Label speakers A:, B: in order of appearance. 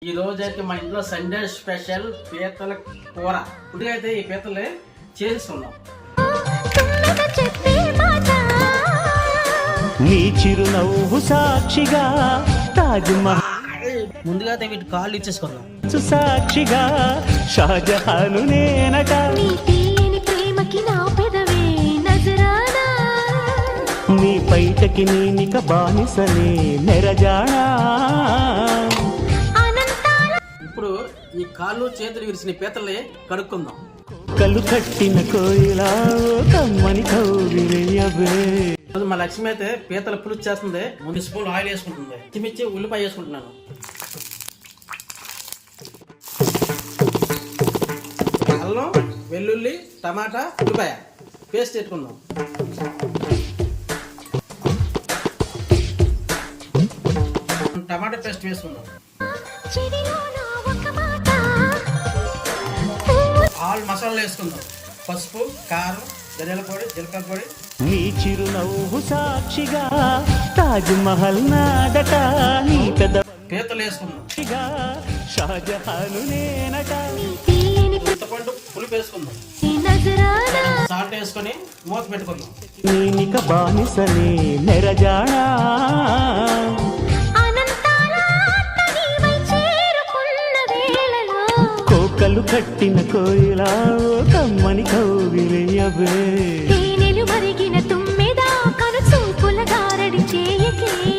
A: ఈ రోజు అయితే మా ఇంట్లో సండే స్పెషల్ పీతల కూర. ఇప్పుడు అయితే ఈ పీతలే చేసుకున్నాం.
B: నీ చిరునవ్వు సాక్షిగా తాజ్ మహల్
A: ముందుగా అయితే వీటి కాళ్ళు ఇచ్చేసుకున్నాం.
B: సాక్షిగా షాజహాను నేనట. నీ పైటకి నేనిక బానిసనే నెరజానా.
A: ఇప్పుడు ఈ కాళ్ళు చేతులు విరిసిన పీతలే కడుక్కుందాం.
B: కళ్ళు కట్టిన కోయిలా కమ్మని కౌగిలియవే.
A: మా లక్ష్మి అయితే పీతల పులుసు చేస్తుంది. ముందు స్పూన్ ఆయిల్ వేసుకుంటుంది. పచ్చిమిర్చి ఉల్లిపాయ వేసుకుంటున్నాను. అల్లం వెల్లుల్లి టమాటా ఉల్లిపాయ పేస్ట్ పెట్టుకుందాం. టమాటా పేస్ట్ వేసుకుందాం. ఆల్ మసాలాలు వేసుకుందాం. పసుపు, కారం, ధనియాల పొడి, జీలకర్ర పొడి.
B: నీ చిరునవ్వు సాక్షిగా తాజ్ మహల్ నాడట. నీ పెద్ద
A: పీతలు వేసుకుందాం.
B: షాజహాను నేనట.
A: చింతపండు పులుపు వేసుకుందాం. సాల్ట్ వేసుకొని మూత పెట్టుకుందాం.
B: నేనిక బానిసనే నెరజానా. కోకలు కట్టిన కోయిలా కమ్మని కౌగిలియవే.
C: మరిగిన తుమ్మెదా కను చూపుల గారడి చేయకే.